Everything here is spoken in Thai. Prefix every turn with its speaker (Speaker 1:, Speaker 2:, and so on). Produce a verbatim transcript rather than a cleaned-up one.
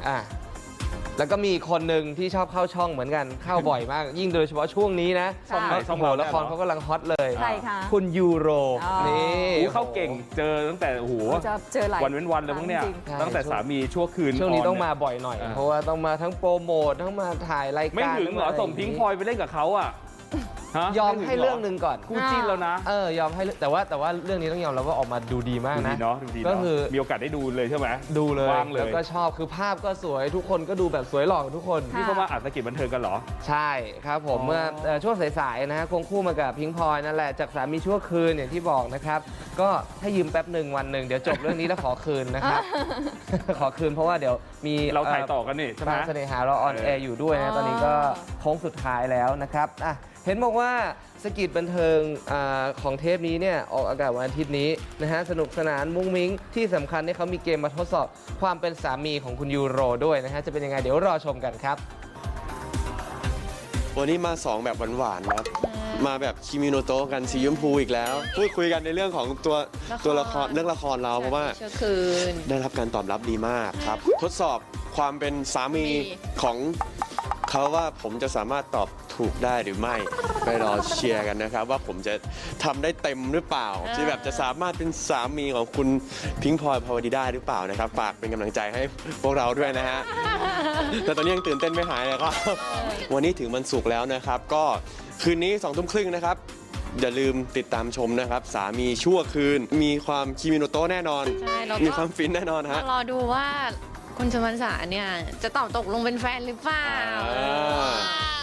Speaker 1: อ่ะแล้วก็มีคนหนึ่งที่ชอบเข้าช่องเหมือนกันเข้าบ่อยมาก ยิ่งโดยเฉพาะช่วงนี้นะ
Speaker 2: ช่องไหนช่อง
Speaker 1: โห
Speaker 2: เรา
Speaker 1: ละครเขากำลังฮอตเลย
Speaker 3: ใครคะ
Speaker 1: คุณยูโร
Speaker 3: อ๋อ
Speaker 1: นี่
Speaker 2: โอ้เข้าเก่งเจอตั้งแต่โอ้โห
Speaker 3: จะเจอหลาย
Speaker 2: วันเว้นวันเลยพวกเนี้ย
Speaker 3: จริง
Speaker 2: ตั้งแต่สามีชั่วคืน
Speaker 1: ช่วงนี้
Speaker 2: น
Speaker 1: ต้อง
Speaker 2: เย
Speaker 1: มาบ่อยหน่อย
Speaker 2: อ่า
Speaker 1: เพราะว่าต้องมาทั้งโปรโมททั้งมาถ่ายรายการ
Speaker 2: ไม่ถึงเหรอ
Speaker 1: ทั้ะไ
Speaker 2: ส่งพิงค์พลอยไปเล่นกับเขาอ่ะฮะ
Speaker 1: ยอม
Speaker 2: ไถึ
Speaker 1: ให้เรื่องหนึ่งก่อน
Speaker 2: คู่จิ้นแล้วนะ
Speaker 1: เออยอมให้เรื่องแต่ว่าแต่ว่าเรื่องนี้ต้องยอมรับว่าออกมาดูดีมาก
Speaker 2: ดู
Speaker 1: นะ
Speaker 2: ดีเนาะดูดี
Speaker 1: ก็
Speaker 2: เนาะ
Speaker 1: คือ
Speaker 2: มีโอกาสได้ดูเลยใช่ไหม
Speaker 1: ดูเลย
Speaker 2: ว่างเลย
Speaker 1: แล้วก็ชอบคือภาพก็สวยทุกคนก็ดูแบบสวยหล่อทุกคน
Speaker 3: ค่ะ
Speaker 2: นี่เขามาอัดสกิจบันเทิงกันเหรอ
Speaker 1: ใช่ครับผม
Speaker 2: อ๋อ
Speaker 1: เมื่อเอ่อช่วงสายๆนะฮะควงคู่มากับพิงค์พลอยนั่นแหละจากสามีชั่วคืนอย่างที่บอกนะครับ ก็ถ้ายืมแป๊บหนึ่งวันหนึ่งเดี๋ยวจบเรื่องนี้แล้วขอคืนนะครับ ขอคืนเพราะว่าเดี๋ยวมี
Speaker 2: เราถ่ายต่อกันนี่ใช่ไหม
Speaker 1: บ้านเสน่หาเราออนแอร์อยู่ด้วยนะตอนนี้ก็โค้งสุดท้ายแล้วนะครับอ่ะเห็นบอกว่าสกิจบันเทิงอาของเทปนี้เนี่ยออกอากาศวันอาทิตย์นี้นะฮะสนุกสนานมุ้งมิ้งที่สำคัญเนี่ยเขามีเกมมาทดสอบความเป็นสามีของคุณยูโรด้วยนะฮะจะเป็นยังไงเดี๋ยวรอชมกันครับ
Speaker 4: วันนี้มาสองแบบหวานๆนะครับ มาแบบคิมิโนโตะกันสีชมพูอีกแล้ว พูดคุยกันในเรื่องของตัวตัวละครเรื่องละครเราเพราะว่า
Speaker 5: เชื่อคืน
Speaker 4: ได้รับการตอบรับดีมากครับ ทดสอบความเป็นสามีของเขาว่าผมจะสามารถตอบถูกได้หรือไม่ ไปรอเชียร์กันนะครับ ว่าผมจะทำได้เต็มหรือเปล่าที่แบบจะสามารถเป็นสามีของคุณพิงค์พลอยพาวดีได้หรือเปล่านะครับฝากเป็นกำลังใจให้พวกเราด้วยนะฮะ แต่ตอนนี้ยังตื่นเต้นไม่หายเลยครับ วันนี้ถึงวันศุกร์แล้วนะครับ ก็คืนนี้สองทุ่มครึ่งนะครับ อย่าลืมติดตามชมนะครับ สามีชั่วคืน มีความคิมิโนโตะแน่นอน
Speaker 5: ใช่แล้ว
Speaker 4: มี
Speaker 5: ก็
Speaker 4: ความฟินแน่นอน
Speaker 5: มา
Speaker 4: ฮะ
Speaker 5: รอดูว่าคุณชมันสาเนี่ย จะตอบตกลงเป็นแฟนหรือเปล่า
Speaker 4: อ่า